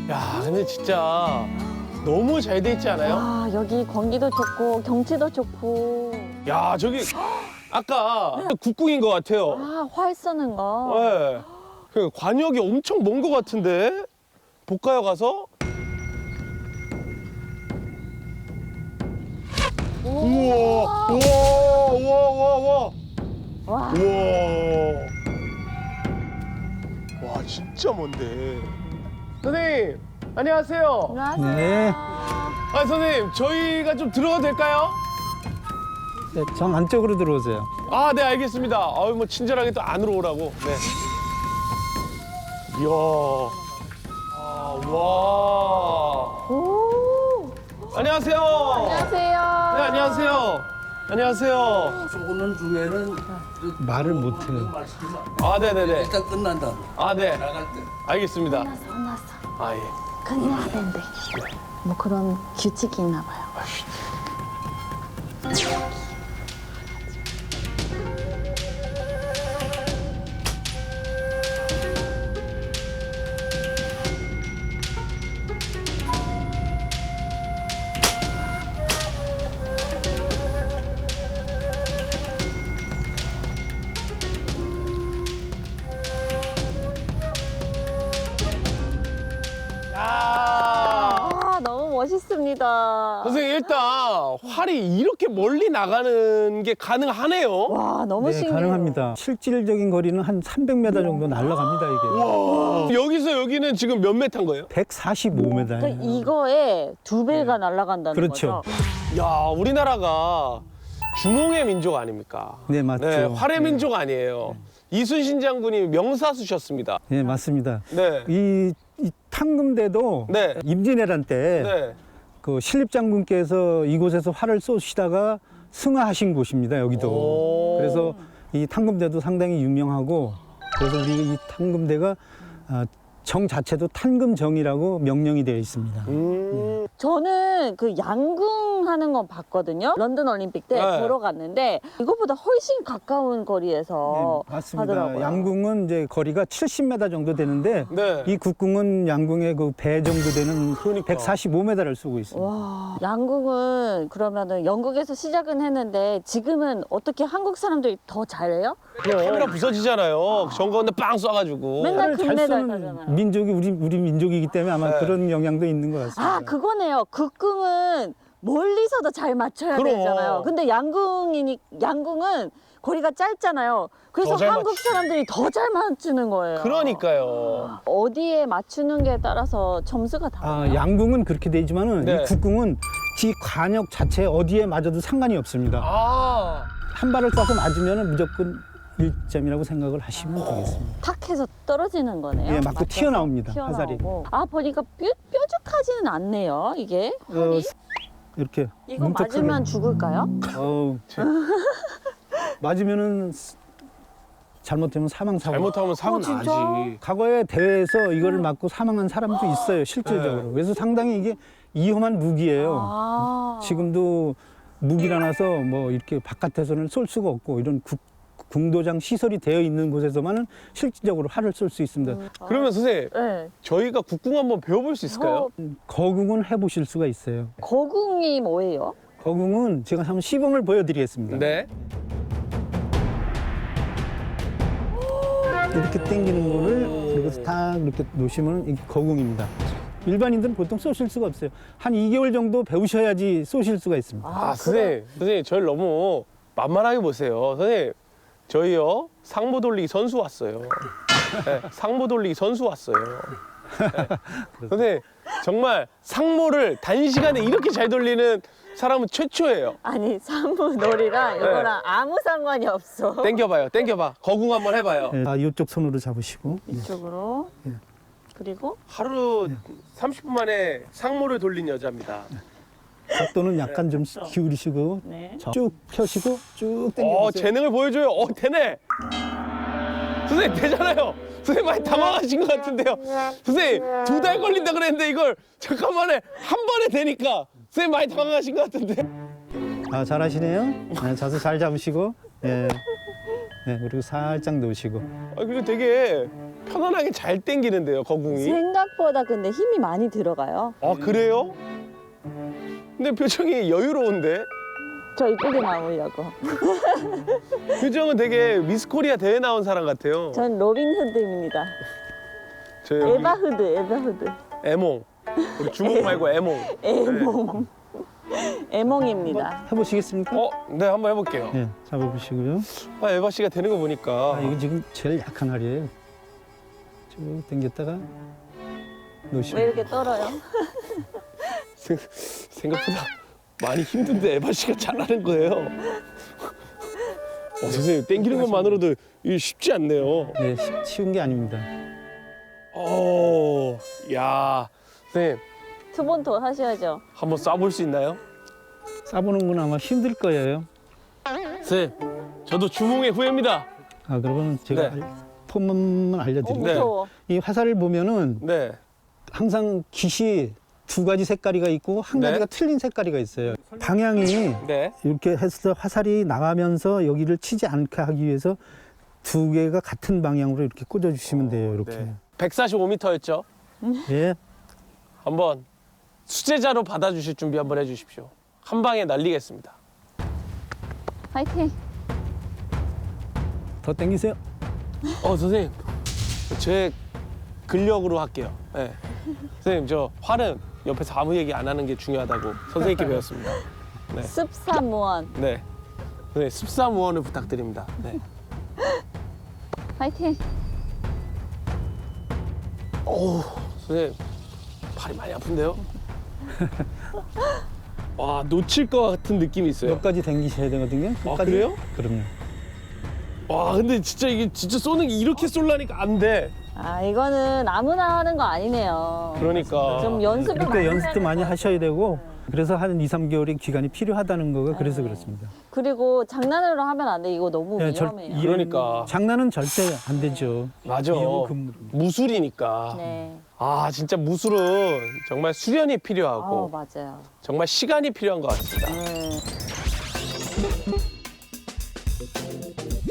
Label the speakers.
Speaker 1: 야, 근데 진짜 너무 잘 돼 있지 않아요?
Speaker 2: 와, 여기 공기도 좋고 경치도 좋고.
Speaker 1: 야, 저기 아까 국궁인 것 같아요.
Speaker 2: 아, 활 쏘는 거.
Speaker 1: 네. 그 관역이 엄청 먼 것 같은데? 볼까요, 가서? 우와, 우와, 우와, 우와, 우와.
Speaker 2: 와,
Speaker 1: 우와. 와, 진짜 먼데. 선생님, 안녕하세요.
Speaker 2: 안녕하세요.
Speaker 3: 네.
Speaker 1: 아, 선생님, 저희가 좀 들어가도 될까요?
Speaker 3: 네, 정 안쪽으로 들어오세요.
Speaker 1: 아, 네, 알겠습니다. 아유, 뭐, 친절하게 또 안으로 오라고. 네. 이야. 아, 와.
Speaker 2: 오,
Speaker 1: 안녕하세요.
Speaker 2: 안녕하세요.
Speaker 1: 네, 안녕하세요. 안녕하세요.
Speaker 4: 오는 중에는
Speaker 3: 말을 못해요.
Speaker 1: 아, 네네네.
Speaker 4: 일단 끝난다.
Speaker 1: 아, 네.
Speaker 4: 나갈 때.
Speaker 1: 알겠습니다.
Speaker 2: 혼났어.
Speaker 1: 아, 예.
Speaker 2: 큰일 나야 된대. 뭐 그런 규칙이 있나 봐요.
Speaker 1: 야.
Speaker 2: 아, 너무 멋있습니다.
Speaker 1: 선생님, 일단 활이 이렇게 멀리 나가는 게 가능하네요.
Speaker 2: 와, 너무
Speaker 3: 네,
Speaker 2: 신기해요.
Speaker 3: 가능합니다. 실질적인 거리는 한 300m 정도 날아갑니다, 이게.
Speaker 1: 와. 여기서 여기는 지금 몇 메타인 거예요?
Speaker 3: 145m예요.
Speaker 2: 그러니까 이거에 두 배가 날아간다는
Speaker 3: 그렇죠.
Speaker 2: 거죠.
Speaker 1: 야, 우리나라가 주몽의 민족 아닙니까?
Speaker 3: 네, 맞죠.
Speaker 1: 네, 활의 민족 아니에요. 이순신 장군이 명사수셨습니다.
Speaker 3: 네, 맞습니다.
Speaker 1: 네.
Speaker 3: 이 탕금대도
Speaker 1: 네.
Speaker 3: 임진왜란 때
Speaker 1: 네.
Speaker 3: 그 신립장군께서 이곳에서 활을 쏘시다가 승하하신 곳입니다, 여기도.
Speaker 1: 오.
Speaker 3: 그래서 이 탕금대도 상당히 유명하고, 그래서 우리 이 탕금대가 정 자체도 탄금정이라고 명령이 되어 있습니다.
Speaker 2: 저는 그 양궁하는 건 봤거든요. 런던 올림픽 때
Speaker 1: 네.
Speaker 2: 보러 갔는데 이것보다 훨씬 가까운 거리에서
Speaker 3: 네, 맞습니다.
Speaker 2: 하더라고요.
Speaker 3: 양궁은 이제 거리가 70m 정도 되는데
Speaker 1: 네.
Speaker 3: 이 국궁은 양궁의 그 배 정도 되는
Speaker 1: 그러니까.
Speaker 3: 145m를 쏘고 있습니다.
Speaker 2: 와, 양궁은 그러면은 영국에서 시작은 했는데 지금은 어떻게 한국 사람들이 더 잘해요?
Speaker 1: 카메라 부서지잖아요. 정가운데 빵 쏴가지고.
Speaker 2: 맨날
Speaker 3: 활을 잘
Speaker 2: 금메달
Speaker 3: 쏘는
Speaker 2: 따잖아요.
Speaker 3: 민족이 우리 민족이기 때문에 아마
Speaker 1: 네.
Speaker 3: 그런 영향도 있는 것 같습니다.
Speaker 2: 아, 그거네요. 국궁은 멀리서도 잘 맞춰야
Speaker 1: 그럼.
Speaker 2: 되잖아요. 근데 양궁은 거리가 짧잖아요. 그래서
Speaker 1: 더잘
Speaker 2: 한국 사람들이 더 잘 맞추는 거예요.
Speaker 1: 그러니까요.
Speaker 2: 어디에 맞추는 게 따라서 점수가 달라요.
Speaker 3: 양궁은 그렇게 되지만은
Speaker 1: 네.
Speaker 3: 이 국궁은 지 관역 자체 어디에 맞아도 상관이 없습니다.
Speaker 1: 아.
Speaker 3: 한 발을 쏴서 맞으면 무조건 1점이라고 생각을 하시면 되겠습니다.
Speaker 2: 탁 해서 떨어지는 거네요.
Speaker 3: 예, 맞고
Speaker 2: 맞춰서
Speaker 3: 튀어나옵니다, 화살이.
Speaker 2: 아, 보니까 뾰족하지는 않네요, 이게.
Speaker 3: 이렇게
Speaker 2: 이거
Speaker 3: 뭉툭하게.
Speaker 2: 맞으면 죽을까요?
Speaker 3: 어우, 맞으면은 잘못되면 사망 사고.
Speaker 1: 잘못하면 사고
Speaker 2: 진짜?
Speaker 1: 나지.
Speaker 3: 과거에 대회에서 이거를 맞고 사망한 사람도 있어요, 실질적으로.
Speaker 1: 네.
Speaker 3: 그래서 상당히 이게 위험한 무기예요.
Speaker 2: 아.
Speaker 3: 지금도 무기라나서 뭐 이렇게 바깥에서는 쏠 수가 없고 이런 궁도장 시설이 되어 있는 곳에서만은 실질적으로 활을 쏠 수 있습니다.
Speaker 1: 그러면 선생님,
Speaker 2: 네.
Speaker 1: 저희가 국궁 한번 배워볼 수 있을까요?
Speaker 3: 거궁은 해보실 수가 있어요.
Speaker 2: 거궁이 뭐예요?
Speaker 3: 거궁은 제가 한번 시범을 보여드리겠습니다.
Speaker 1: 네.
Speaker 3: 이렇게 당기는 거를 그리고 딱 이렇게 놓으시면 이게 거궁입니다. 일반인들은 보통 쏘실 수가 없어요. 한 2개월 정도 배우셔야지 쏘실 수가 있습니다.
Speaker 1: 아, 선생님, 저를 너무 만만하게 보세요. 선생님, 저희요, 상모 돌리기 선수 왔어요. 네, 상모 돌리기 선수 왔어요. 네. 선생님, 정말 상모를 단시간에 이렇게 잘 돌리는 사람은 최초예요.
Speaker 2: 아니, 산부놀이랑 이거랑 아무 상관이 없어.
Speaker 1: 땡겨봐요, 땡겨봐. 거궁 한번 해봐요.
Speaker 3: 이쪽 손으로 잡으시고
Speaker 2: 이쪽으로. 그리고
Speaker 1: 하루 30분 만에 상모를 돌린 여자입니다.
Speaker 3: 각도는 약간 좀 기울이시고
Speaker 2: 네.
Speaker 3: 쭉 펴시고 쭉 당겨보세요.
Speaker 1: 재능을 보여줘요. 되네. 선생님, 되잖아요. 선생님 많이 당황하신 것 같은데요. 선생님, 2달 걸린다 그랬는데 이걸 잠깐만에 한 번에 되니까 선생님 많이 당황하신 것 같은데.
Speaker 3: 아, 잘하시네요. 네, 자세 잘 잡으시고, 예, 네, 그리고 살짝 놓으시고.
Speaker 1: 그리고 되게 편안하게 잘 당기는데요, 거궁이.
Speaker 2: 생각보다 근데 힘이 많이 들어가요.
Speaker 1: 아, 그래요? 근데 표정이 여유로운데?
Speaker 2: 저 이쁘게 나오려고.
Speaker 1: 표정은 되게 미스 코리아 대회 나온 사람 같아요.
Speaker 2: 전 로빈 후드입니다.
Speaker 1: 저 여기
Speaker 2: 에바 후드.
Speaker 1: 애몽. 우리 주몽 말고 애몽.
Speaker 2: 에몽. 에몽입니다.
Speaker 3: 해보시겠습니까?
Speaker 1: 네, 한번 해볼게요.
Speaker 3: 네, 잡아보시고요.
Speaker 1: 아, 에바 씨가 되는 거 보니까.
Speaker 3: 아, 이거 지금 제일 약한 알이에요. 쭉 당겼다가 놓으시고.
Speaker 2: 왜 이렇게 떨어요?
Speaker 1: 생각보다 많이 힘든데 에바 씨가 잘하는 거예요. 선생님, 당기는 것만으로도 이게 쉽지 않네요.
Speaker 3: 네, 쉬운 게 아닙니다.
Speaker 1: 야, 선생님,
Speaker 2: 두 번 더 하셔야죠.
Speaker 1: 한번 쏴볼 수 있나요?
Speaker 3: 싸보는 건 아마 힘들 거예요.
Speaker 1: 선생님, 저도 주몽의 후예입니다.
Speaker 3: 아, 그러면 제가
Speaker 1: 네.
Speaker 3: 폼만 알려드릴게요.
Speaker 2: 무서워.
Speaker 3: 이 화살을 보면은
Speaker 1: 네.
Speaker 3: 항상 깃이 두 가지 색깔이가 있고 한
Speaker 1: 네.
Speaker 3: 가지가 틀린 색깔이가 있어요. 방향이
Speaker 1: 네.
Speaker 3: 이렇게 해서 화살이 나가면서 여기를 치지 않게 하기 위해서 두 개가 같은 방향으로 이렇게 꽂아주시면 돼요. 이렇게.
Speaker 1: 네. 145m였죠?
Speaker 3: 예.
Speaker 1: 한번 수제자로 받아주실 준비 한번 해주십시오. 한 방에 날리겠습니다.
Speaker 2: 화이팅.
Speaker 3: 더 당기세요.
Speaker 1: 선생님, 제 근력으로 할게요. 네. 선생님, 저 활은 옆에서 아무 얘기 안 하는 게 중요하다고 선생님께 배웠습니다. 네.
Speaker 2: 습사무원.
Speaker 1: 네. 선생님, 습사무원을 부탁드립니다. 네.
Speaker 2: 화이팅.
Speaker 1: 선생님, 팔이 많이 아픈데요? 와, 놓칠 것 같은 느낌이 있어요.
Speaker 3: 몇 가지 당기셔야 되거든요. 끝까지.
Speaker 1: 그래요?
Speaker 3: 그럼요.
Speaker 1: 와, 근데 진짜 이게 진짜 쏘는 게 이렇게 쏠라니까 안 돼.
Speaker 2: 아, 이거는 아무나 하는 거 아니네요.
Speaker 1: 그러니까.
Speaker 2: 좀 연습을
Speaker 3: 그러니까
Speaker 2: 많이
Speaker 3: 연습도
Speaker 2: 해야
Speaker 3: 많이
Speaker 2: 될것
Speaker 3: 하셔야
Speaker 2: 같아요.
Speaker 3: 되고 그래서 한 2, 3개월의 기간이 필요하다는 거가 그래서 그렇습니다.
Speaker 2: 그리고 장난으로 하면 안 돼. 이거 너무
Speaker 3: 네,
Speaker 2: 위험해요.
Speaker 1: 그러니까.
Speaker 3: 장난은 절대 안 되죠.
Speaker 1: 맞아.
Speaker 3: 위험은 금물입니다.
Speaker 1: 무술이니까.
Speaker 2: 네.
Speaker 1: 아, 진짜 무술은 정말 수련이 필요하고
Speaker 2: 맞아요.
Speaker 1: 정말 시간이 필요한 것 같습니다.